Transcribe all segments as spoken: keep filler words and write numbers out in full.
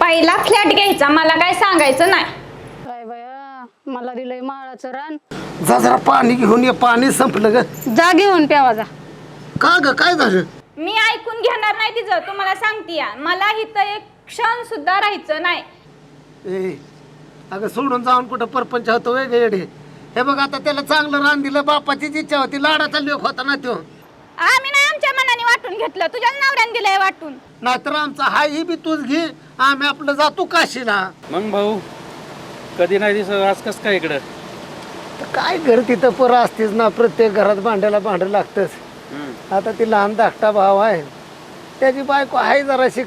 पहिला फ्लॅट घ्यायचा, मला काय सांगायचं नाही. काय बया, मला दिलंय माळाचं रान. जा जरा पाणी घेऊन ये, पाणी संपलं ग. जा घेऊन प्यावा जा. का ग, काय झालं? मी ऐकून घेणार नाही तिचं, तुम्हाला सांगते. मला इथं एक क्षण सुद्धा राहायचं नाही. ए अगं सोडून जाऊन कुठं परपंच होतो वेगळे येडे. हे बघ आता त्याला चांगलं रान दिलं, बापाचीच इच्छा होती, लाडाचा लेख होता ना तो. आम्ही नाही आमच्या मनाने वाटून घेतलं, तुझ्या नवऱ्याने दिलंय वाटून. नाहीतर आमचा हाय ही बी तूच घे, आम्ही आपलं जातो काशीला. मग भाऊ कधी नाही दिसत, आज कस काय इकडं? तर काय घर तिथं पोरं असतेच ना, प्रत्येक घरात भांड्याला भांडं लागतंच. आता ती लहान धाकटा भाव आहे, त्याची बायको आहे जराशी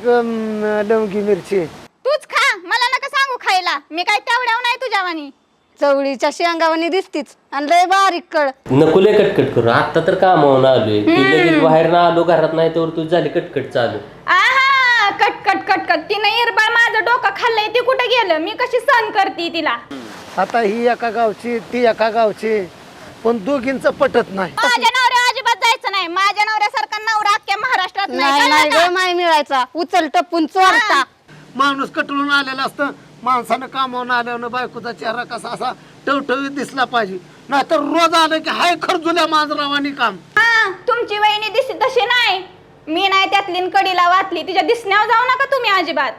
लवंगी मिरची. तूच खा, मला नका सांगू खायला, मी काय तेवढ्याव नाही तुझ्यावानी. चवळीच्या शेंगावानी दिसतीच आणि लय बारीक कळ. नको लय कटकट करू, आता तर कामावून आलोय, ती लगेच बाहेर ना आलो, घरात नाही तर तू झाली कटकट चालू. आहा, कटकट कटकट तिने इरबाळ माझं डोकं खाल्लंय, ती कुठं गेलं, मी कशी सहन करते तिला. आता ही एका गावची ती एका गावची, पण दोघींचं पटत नाही. माझ्या नवऱ्या अजिबात जायचं नाही, माझ्या नवऱ्यासारखा नवरा अख्ख्या महाराष्ट्रात नाही नाही ग, माय मिळायचा उचल टपून चोरता. माणूस कटळून आलेला असतं, माणसानं कामावून आल्यानं बायकोचा चेहरा कसा असा टवटवीत दिसला पाहिजे. नाहीतर रोज आलं की हाय खरजुल्या मांजरावानी काम. हा, तुमची वहिनी दिसती तशी नाही, मी नाही त्यातली कडीला वाचली, तिच्या दिसण्यावर जाऊ नका तुम्ही अजिबात.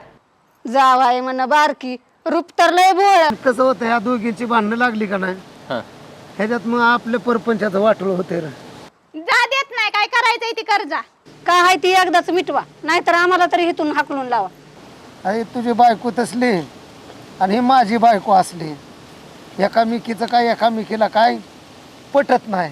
जावाय म्हण बारकी, रूप तर लय भोळ. कसं होतं, ह्या दोघींची भांडणं लागली का नाही, ह्याच्यात मग आपल्या परपंचाचं वाटलं होते. जा देत नाही, काय करायचंय ती कर जा. काय हाय ती एकदाच मिटवा, नाहीतर आम्हाला तरी इथून हाकलून लावा. अरे तुझी बायको तसली आणि ही माझी बायको असली, एकामेकीचं काय एकामेकीला काय पटत नाही.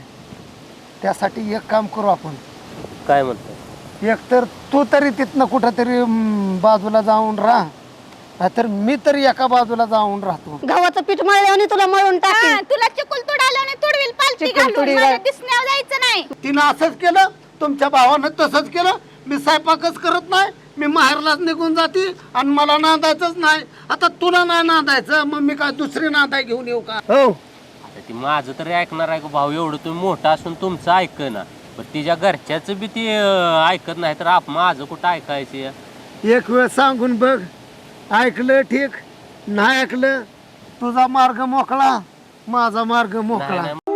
त्यासाठी एक काम करू आपण, काय म्हणतो? एकतर तू तरी तिथनं कुठंतरी बाजूला जाऊन राहा, नाहीतर मी तरी एका बाजूला जाऊन राहतो. गव्हाचं पीठ मळल्याने तुला मळून हा, टाकेल. तुला चिकुल तुडाल्याने तुडविल पालती चिकुल घालून, तुडीला. माझ्या दिसण्यावर जायचं नाही. तिनं असंच केलं, तुमच्या भावानं तसंच केलं. मी स्वयंपाकच करत नाही, मी माहेरलाच निघून जाते आणि मला नांदायचंच नाही. आता तुला नाही नांदायचं, मग मी काय दुसरी नांदाय घेऊन येऊ का? हो, आता ती माझं तरी ऐकणार आहे का भाऊ? एवढं तुम्ही मोठा असून तुमचं ऐक ना, पण तिच्या घरच्याचं बी ती अं, ऐकत नाही तर आप माझं कुठं ऐकायचं? एक वेळ सांगून बघ, ऐकलं ठीक, नाही ऐकलं तुझा मार्ग मोकळा, माझा मार्ग मोकळा.